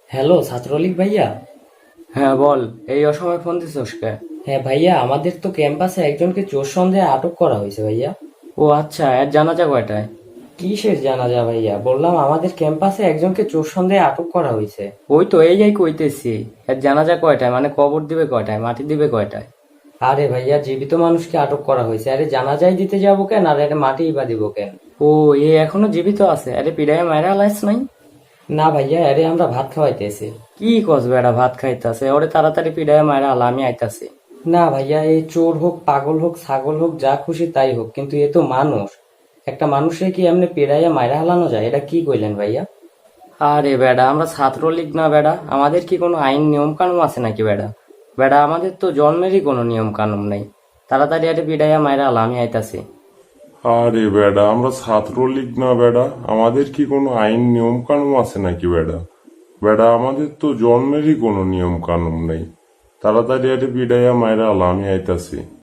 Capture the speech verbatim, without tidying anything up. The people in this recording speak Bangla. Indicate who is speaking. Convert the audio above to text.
Speaker 1: হ্যালো ছাত্রলীগ ভাইয়া।
Speaker 2: হ্যাঁ বল, এই অসময়ে ফোন দিছিস কে?
Speaker 1: হ্যাঁ ভাইয়া, আমাদের তো ক্যাম্পাসে একজনকে চোর সন্দেহে আটক করা হয়েছে ভাইয়া।
Speaker 2: ও আচ্ছা, এর জানাজা কয়টায়?
Speaker 1: কিসের জানাজা ভাইয়া? বললাম আমাদের ক্যাম্পাসে একজনকে চোর সন্দেহে আটক করা হয়েছে।
Speaker 2: ওই তো এই যাই কইতেছি। এর জানাজা কয়টায় মানে কবর দিবে কয়টায়, মাটি দিবে কয়টায়?
Speaker 1: আরে ভাইয়া, জীবিত মানুষকে আটক করা হয়েছে। আরে জানাজাই দিতে যাবো কেন, আর এটা মাটিই বা দিব কেন?
Speaker 2: ও, এ এখনো জীবিত আছে? আরে পিড়াইয়া মায়েরা লাইস নাই?
Speaker 1: না ভাইয়া, আরে আমরা ভাত খাওয়াইতেছি।
Speaker 2: কি কস বেড়া, ভাত খাইতাছে? ওরে তাড়াতাড়ি পিড়াইয়া মায়েরা আলা, আমি আইতাছি।
Speaker 1: না ভাইয়া, এই চোর হোক, পাগল হোক, ছাগল হোক, যা খুশি তাই হোক, কিন্তু এ তো মানুষ। একটা মানুষে কি এমনি পেড়াইয়া মাইরা হালানো যায়? এটা কি কইলেন ভাইয়া?
Speaker 2: আরে বেড়া, আমরা ছাত্রলীগ না বেড়া? আমাদের কি কোনো আইন নিয়ম কানুন আছে নাকি বেড়া? বেড়া আমাদের তো জন্মেরই কোনো নিয়ম কানুন নেই। তাড়াতাড়ি আরে পিড়াইয়া মায়েরা আলা, আমি আইতাছি।
Speaker 3: আরে বেডা, আমরা ছাত্রলীগ না বেডা? আমাদের কি কোনো আইন নিয়ম কানুন আছে নাকি বেডা? বেডা আমাদের তো জন্মেরই কোনো নিয়ম কানুন নেই। তাড়াতাড়ি আরে বিডাইয়া মায়েরা আলা, আমি আইতাছি।